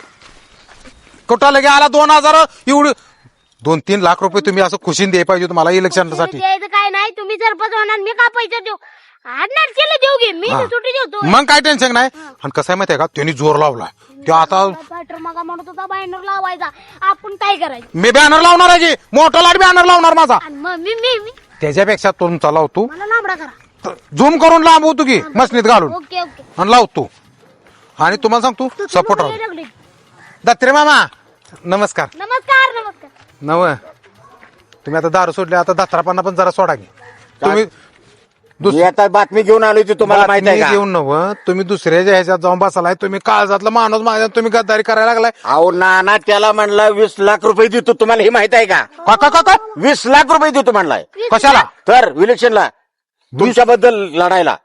Speaker 4: कुठं लगे आला दोन हजार एवढी दोन तीन लाख रुपये तुम्ही असं खुशीन द्याय पाहिजे तुम्हाला इलेक्शनसाठी
Speaker 5: द्यायचं काय नाही तुम्ही सरपंच होणार मी का पैसे देऊ आणणार केलं देऊ घे मी
Speaker 4: हा.
Speaker 5: सुट्टी देतो
Speaker 4: मग काय टेन्शन नाही आणि कसं आहे माहितीये का त्यांनी जोर लावला ते आता
Speaker 5: बॅटर मगा म्हणत होता बॅनर लावायचा आपण काय करायचं
Speaker 4: मी बॅनर लावणार आहे की मोठा लाट बॅनर लावणार माझा
Speaker 5: आणि मग मी मी मी
Speaker 4: त्याच्यापेक्षा तुमचा लावतो
Speaker 5: मला लांबडा करा
Speaker 4: झूम करून लांबवतो की मसनीत घालून
Speaker 5: ओके ओके
Speaker 4: आणि लावतो आणि तुम्हाला सांगतो सपोर्ट राहतो
Speaker 5: लागले.
Speaker 4: दत्रे मामा नमस्कार
Speaker 5: नमस्कार नमस्कार
Speaker 4: नव तुम्ही आता दारू सोडले आता दत्रापांना पण जरा सोडा की तुम्ही दुस-
Speaker 3: मी आता बातमी घेऊन आलोय ती तुम्हाला माहिती आहे
Speaker 4: बातमी
Speaker 3: का
Speaker 4: घेऊन नव तुम्ही दुसऱ्याच्या ह्याच्यात जाऊन बसलाय तुम्ही काळजातला माणूस माझ्या तुम्ही गद्दारी करायला लागलाय
Speaker 3: अहो नाना त्याला म्हणला वीस लाख रुपये देतो तुम्हाला हे माहित आहे का
Speaker 4: काका काका
Speaker 3: वीस लाख रुपये देतो म्हणलाय
Speaker 4: कशाला
Speaker 3: तर इलेक्शनला तुमच्याबद्दल लढायला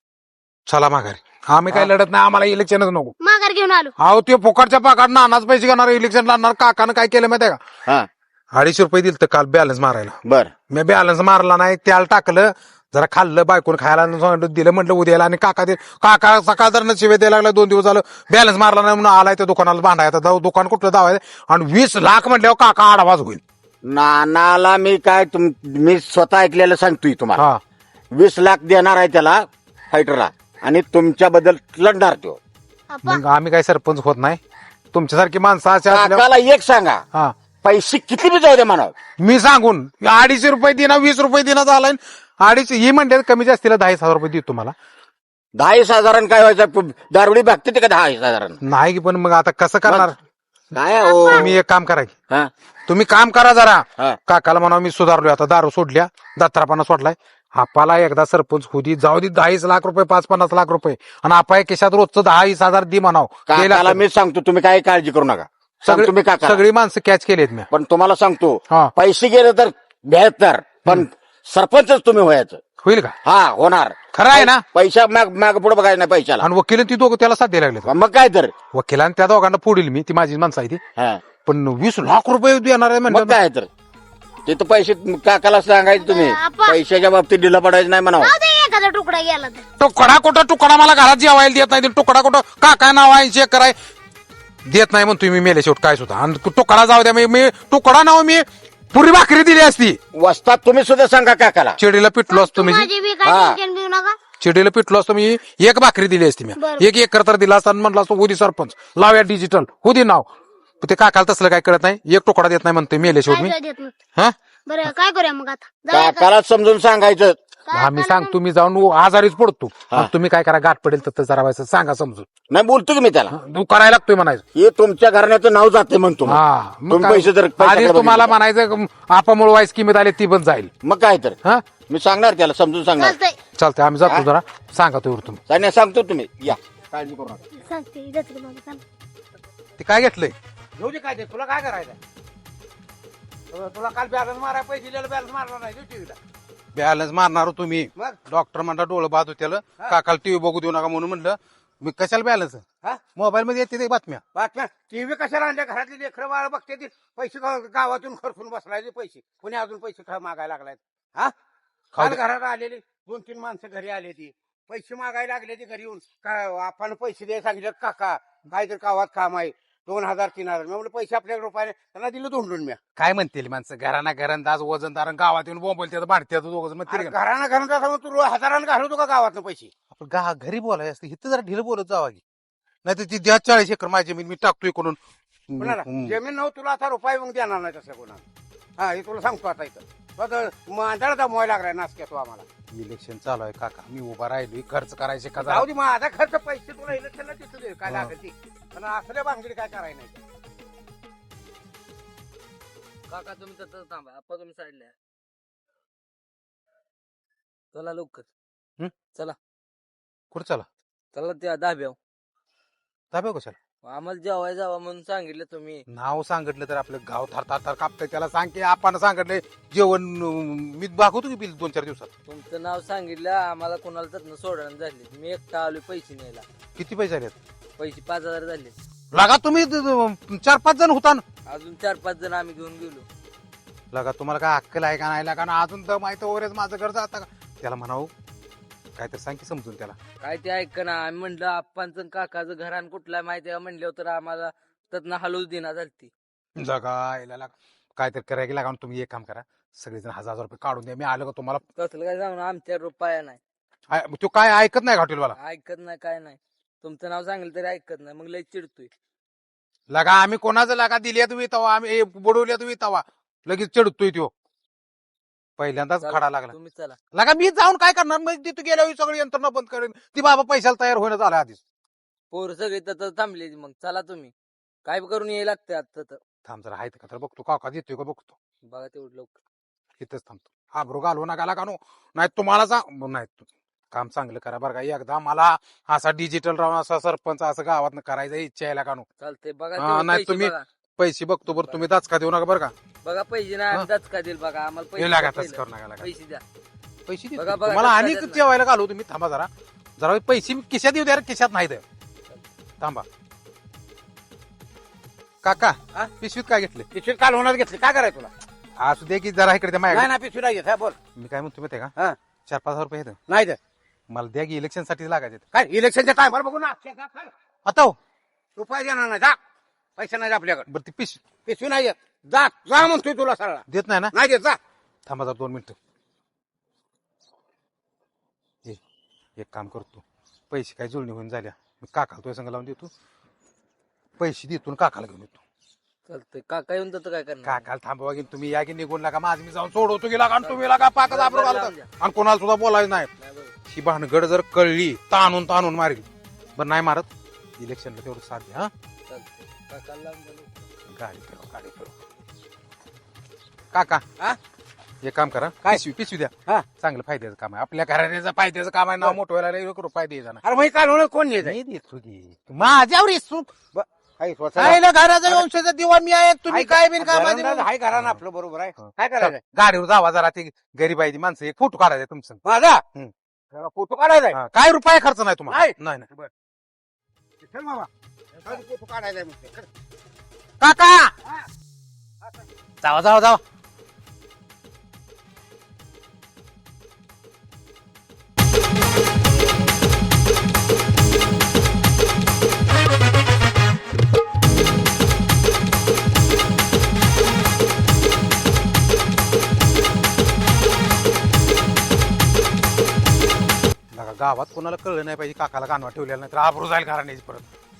Speaker 4: चला माघारी आम्ही काही लढत नाही आम्हाला इलेक्शनच नको
Speaker 5: माघार घेऊन आलो
Speaker 4: अहो ते फुकटच्या पाकात नानाच पैसे घेणार इलेक्शन लढणार काकानं काय केलं माहितीये का
Speaker 3: हा
Speaker 4: अडीचशे रुपये दिल तर काल बॅलन्स मारायला
Speaker 3: बर
Speaker 4: मी बॅलन्स मारला नाही त्याला टाकलं जरा खाल्लं बायकोन खायला दिलं म्हटलं उद्याला आणि काका दे काका सकाळ जर शिवे द्यायला लागला दोन दिवस झालं बॅलन्स मारला नाही म्हणून आलाय त्या दुकानाला बांधायचा जाऊ दुकान कुठलं दावायचं आणि वीस लाख म्हटल्यावर काका आडावाज होईल
Speaker 3: नानाला मी काय तुम मी स्वतः ऐकलेलं सांगतोय तुम्हाला
Speaker 4: हा
Speaker 3: वीस लाख देणार आहे त्याला फायटरला आणि तुमच्याबद्दल लढणार तो
Speaker 5: आप्पा
Speaker 4: मग आम्ही काही सरपंच होत नाही तुमच्यासारखी माणसं अशा असल्यावर-
Speaker 3: काकाला एक सांगा
Speaker 4: हा
Speaker 3: पैसे किती बी जाऊ दे म्हणा
Speaker 4: मी सांगून अडीचशे रुपये दिना वीस रुपये दिना झालाय अडीचशे ही म्हणते कमी जास्तीला दहा हजार रुपये देतो तुम्हाला
Speaker 3: दहा वीस हजारानं काय व्हायचं दारुडी बघते ते का दहा वीस हजारानं
Speaker 4: नाही की पण मग आता कसं करणार
Speaker 3: काय हो
Speaker 4: तुम्ही एक काम करा की
Speaker 3: हा
Speaker 4: तुम्ही काम करा जरा
Speaker 3: हा.
Speaker 4: काकाला म्हणा मी सुधारलोय आता दारू सोडल्या दत्तारापाना सोडलाय आपाला एकदा सरपंच होती जाऊ दे दहाच लाख रुपये पाच पन्नास लाख रुपये आणि आपा केशात रोजचं दहा वीस हजार दे म्हणाव
Speaker 3: काकाला मी सांगतो तुम्ही काय काळजी करू नका सांगतो तुम्ही काका
Speaker 4: सगळी माणसं कॅच केलीत मी
Speaker 3: पण तुम्हाला सांगतो
Speaker 4: हा.
Speaker 3: पैसे गेले तर बेहतर पण सरपंचच तुम्ही व्हायचं
Speaker 4: होईल का
Speaker 3: हा होणार
Speaker 4: खरं आहे ना
Speaker 3: पैसा माग माग पुढे बघायचं नाही पैशाला
Speaker 4: आणि वकील ती दोघं त्याला साथ द्यायला लागले
Speaker 3: मग काय तर
Speaker 4: वकिलांनी त्या दोघांना पुढील मी ती माझी माणसं आहे ती
Speaker 3: हा
Speaker 4: पण वीस लाख रुपये देणार आहे
Speaker 3: मग
Speaker 4: म्हणजे
Speaker 3: काय तर ते तर पैसे काकाला सांगायचं तुम्ही
Speaker 5: आपा.
Speaker 3: पैशाच्या बाबतीत ढिला पडायचं नाही म्हणावं
Speaker 5: जाऊ दे एखादा तुकडा गेला तर
Speaker 4: तुकडा कुठं तुकडा मला घरात जेवायला देत नाही तुकडा कुठं काका नाव आहे चेक कराय देत नाही म्हणून तुम्ही मेले शेवट काय सुद्धा आणि तुकडा जाऊ द्या मी- मी तुकडा नाव मी पुरी भाकरी दिली असती
Speaker 3: वस्तात तुम्ही सुद्धा सांगा काकाला
Speaker 4: चिडीला पिटलो असतो मी
Speaker 5: माझी बी काय
Speaker 3: हा.
Speaker 5: टेन्शन घेऊ नका
Speaker 4: चिडीला पिटलो असतो मी एक भाकरी दिली असती मी
Speaker 5: बरं.
Speaker 4: एक एकर तर दिला असता आणि म्हणलं असतो होदी सरपंच लावूया डिजिटल होदी नाव पण ते काकाला तसलं काय कळत नाही एक तुकडा देत नाही म्हणते मेले शेवट मी
Speaker 5: काय देत नाही.
Speaker 4: हा
Speaker 5: बरं काय करूया मग आता जाऊया का?
Speaker 3: काकाला समजून सांगायचं
Speaker 4: हा मी सांगतो मी जाऊन आजारीच पडतो आणि तुम्ही काय करा गाठ पडेल तर जरा व्हायचं सांगा समजून
Speaker 3: नाही बोलतो की मी त्याला
Speaker 4: तू करायला लागतोय म्हणायचं
Speaker 3: हे तुमच्या घराण्याचं नाव जाते म्हणतो मग.
Speaker 4: हा मग
Speaker 3: तुम्ही
Speaker 4: काय?
Speaker 3: पैसे जर
Speaker 4: आधी
Speaker 3: पैशाकडे
Speaker 4: तुम्हाला
Speaker 3: बघितलं.
Speaker 4: म्हणायचं आपामुळे वाईस किंमत आली ती पण जाईल
Speaker 3: मग काय तर
Speaker 4: हा
Speaker 3: मी सांगणार त्याला समजून सांगणार
Speaker 5: चालतंय
Speaker 4: चालतंय आम्ही जातो जरा सांगा तो तुम्ही
Speaker 3: सांगण्या सांगतो तुम्ही या काळजी करू नका
Speaker 5: सांगते जाते बाबा सांग
Speaker 4: ते काय घेतलंय घेऊ दे काय ते तुला काय करायचं तुला काल बॅलन्स मारायला पैसे दिलेला बॅलन्स मारला नाही टीव्हीला बॅलन्स मारणार हो तुम्ही
Speaker 3: मग
Speaker 4: डॉक्टर म्हणता डोळं बाद होत्याला
Speaker 3: हा.
Speaker 4: काकाला टीव्ही बघू देऊ नका म्हणून म्हणलं मी कशाला बॅलन्स
Speaker 3: हा?
Speaker 4: मोबाईल मध्ये येते ते बातम्या
Speaker 3: बातम्या टीव्ही कशाला आणल्या घरातली लेकरं बाळ बघते ती पैसे गाव- गावातून खर्चून बसलायचे पैसे कोणी अजून पैसे ख- मागायला लागलाय हा
Speaker 4: खाऊ
Speaker 3: काल
Speaker 4: दे.
Speaker 3: घरात आलेली दोन तीन माणसं घरी आले ती पैसे मागायला लागले ती घरी येऊन काय आपण पैसे द्यायला सांगितलं काका काहीतरी गावात काम आहे दोन हजार तीन हजार मी म्हणलं पैसे आपल्या रुपयाने त्यांना दिलं धोंडून मी
Speaker 4: काय म्हणतील माणसं घराना घरंदाज वजनदार आणि गावात येऊन बोंबलतात भांडतात दोघं म्हणतील का?
Speaker 3: घरानं घरानं तू रो- हजारानं घालवतो का गावातनं पैसे
Speaker 4: आपण गा घरी बोलायचं असतं इथं जरा ढिलं बोलत जावा की नाही तर ती द्या चाळीस एकर माझी मी मी टाकतोय कोणून
Speaker 3: कोणाला
Speaker 4: हम्म.
Speaker 3: जमीन नव्हतं तुला आता रुपये मग देणार नाही तसं कोणाला हा हे तुला सांगतो आता इथं मांदळ दमवाय लागलाय नाचक्या तू आम्हाला
Speaker 4: इलेक्शन चालू आहे काका मी उभा राहिलोय खर्च करायचे का
Speaker 3: जाऊ दे माझा खर्च पैसे तुला इलेक्शनला तिथं दे काय
Speaker 4: हा.
Speaker 3: लागेल ती पण असल्या भानगडी काय करायला नाही
Speaker 7: काका तुम्ही तसंच थांबा आप्पा तुम्ही साईडला या. चला लवकर
Speaker 4: कुठं चला
Speaker 7: चला त्या दाब्याव
Speaker 4: दाबे कशाला
Speaker 7: आम्हाला जेवाय जावा म्हणून सांगितलं तुम्ही
Speaker 4: नाव सांगितलं तर आपलं गाव थार थार थार कापतंय त्याला सांग की आपण सांगितलंय जेवण अं, मी दाखवतो की बिल दोन चार दिवसात
Speaker 7: तुमचं नाव सांगितलं आम्हाला कोणाला तर सोडणं झाले मी एकटा आलोय पैसे न्यायला
Speaker 4: किती पैसे आले
Speaker 7: पैसे पाच हजार झाले
Speaker 4: लागा तुम्ही द- द- चार पाच जण होता ना
Speaker 7: अजून चार पाच जण आम्ही घेऊन गेलो
Speaker 4: लगा तुम्हाला काय अक्कल आहे का नाही लागा ना अजून तर माहिती वगैरेच माझं घर जाता का त्याला म्हणावं काय तर सांग की समजून त्याला
Speaker 7: काय ते ऐक ना आम्ही म्हणलं आप्पांचं काकाचं घरान कुठला माहिती आहे म्हणलं तर आम्हाला त्यातनं हलवूच देणार झालती
Speaker 4: जगा यायला लागा काय तर करायला लागा तुम्ही एक काम करा सगळेजण हजार हजार रुपये काढून द्या मी आलो का तुम्हाला
Speaker 7: तसलं काय सांगू आमच्या रुपया नाही
Speaker 4: आय- तो काय ऐकत नाही हॉटेलवाला
Speaker 7: ऐकत नाही काय नाही तुमचं नाव सांगितलं तरी ऐकत नाही मग लय चिडतोय
Speaker 4: लगा आम्ही कोणाचं लागा दिली तुम्ही तवा आम्ही हे बुडवल्या तुम्ही तवा लगेच चिडतोय तो पहिल्यांदाच
Speaker 7: चला,
Speaker 4: खडा लागला
Speaker 7: तुम्ही चला
Speaker 4: लगा मी जाऊन काय करणार मग तिथं गेल्यावर सगळी यंत्रणा बंद करेन ती बाबा पैशाला तयार होणं झालं आधीच
Speaker 7: पोर सगळे तर थांबले मग चला तुम्ही काय करून यायला लागतंय आता तर
Speaker 4: थांब जरा आहेत का तर बघतो काका देतोय का बघतो
Speaker 7: बघा तेवढं लवकर
Speaker 4: इथंच थांबतो आब्रो घालू नका लागा नो नाही तुम्हाला सांग नाही तू काम चांगलं करा बरं का एकदा मला असा डिजिटल राहून असा सरपंच असं गावात करायचा इच्छा आहे का नो
Speaker 7: चालतंय बघा
Speaker 4: हा,
Speaker 7: तेवढं
Speaker 4: नाही
Speaker 7: पैसे
Speaker 4: तुम्ही-
Speaker 7: बघा.
Speaker 4: पैसे बघतो बरं तुम्ही दाचका देऊ नका बरं का
Speaker 7: बघा पैसे नाही आम्ही दचका देईल बघा आम्हाला
Speaker 4: हे
Speaker 7: पैसे
Speaker 4: लागा
Speaker 7: द्या
Speaker 4: तसं
Speaker 7: पहिलं.
Speaker 4: करू नका लागा
Speaker 7: पैसे द्या
Speaker 4: पैसे देतो.
Speaker 7: बघा, बघा,
Speaker 4: तुम्हाला
Speaker 7: कसं
Speaker 4: आणि
Speaker 7: झालं.
Speaker 4: जेवायला घालू तुम्ही थांबा जरा जरा पैसे मी खिशात येऊ द्या रे, खिशात नाही द्या थांबा काका
Speaker 3: हा?
Speaker 4: पिशवीत काय घेतले
Speaker 3: पिशवीत काल होणार घेतली काय करायचं तुला
Speaker 4: असू दे की जरा इकडे द्या
Speaker 3: नाही
Speaker 4: माझ्या
Speaker 3: ना पिशवी नाही घेत हा बोल
Speaker 4: मी काय म्हणतो माहिती आहे
Speaker 3: हा.
Speaker 4: का चार पाच हजार रुपये येतं
Speaker 3: नाही दे
Speaker 4: मला द्या की इलेक्शन साठी लागायचे
Speaker 3: काय इलेक्शनच्या टायमाला बघू ना
Speaker 4: आता हो
Speaker 3: रुपये देणार नाही जा पैसे नाही आपल्याकडे
Speaker 4: बरं ती पिशवी
Speaker 3: पिशवी नाही येत जा जा म्हणतोय तुला सरळ
Speaker 4: देत नाही ना
Speaker 3: नाही देत जा
Speaker 4: थांबा जरा दोन मिनिटं ए, एक काम करतो पैसे काय जुळणी होऊन झाल्या मी काकाला तुझ्या संग लावून देतो पैसे देतो आणि काकाला घेऊन येतो
Speaker 7: चालतंय काका येऊन तर काय करणार
Speaker 4: काकाला थांबवा की तुम्ही या की निघून लागा माझं मी जाऊन सोडवतो की लागा आणि तुम्ही लागा पाकच
Speaker 7: बरं,
Speaker 4: आबरू
Speaker 7: बरं,
Speaker 4: घालता
Speaker 7: लावून द्या.
Speaker 4: आणि कोणाला सुद्धा बोलायचं नाही
Speaker 7: नाही बघा.
Speaker 4: ही भानगड जर कळली ताणून ताणून मारेल बरं नाही मारत इलेक्शनला तेवढं साथ द्या हा
Speaker 7: चालतंय काकाला लावून द्या लवकर.
Speaker 4: गाडी फिरव गाडी फिरव काका
Speaker 3: हा?
Speaker 4: एक काम करा
Speaker 3: काय?
Speaker 4: पिशवी पिशवी द्या
Speaker 3: हा.
Speaker 4: चांगलं फायद्याचं काम आहे आपल्या घराण्याचं फायद्याचं काम आहे नाव मोठं व्हायला एक रुपये द्यायचा ना
Speaker 3: अरे मग काल होणार कोण येत
Speaker 4: नाही देतो की माझ्यावर सुख
Speaker 3: हाय
Speaker 4: घराचा वंशाचा दिवा मी आहे तुम्ही काय बिन काय
Speaker 3: हाय घरानं आपलं बरोबर आहे काय करायचं
Speaker 4: गाडीवर जावा जरा ते गरीब आहे ती माणसं एक फोटो काढायचा तुमचं
Speaker 3: माझा
Speaker 4: हम्म.
Speaker 3: फोटो काढायचा आहे
Speaker 4: हा, काय रुपये खर्च नाही तुम्हाला
Speaker 3: नाही.
Speaker 4: नाही नाही
Speaker 3: चल बाबा फोटो काढायचा आहे मग ते.
Speaker 4: काका जावा जावा जावा लगा गावात कोणाला कळलं नाही पाहिजे काकाला कानवा ठेवलेला नाही तर आबरू जाईल घराण्याची परत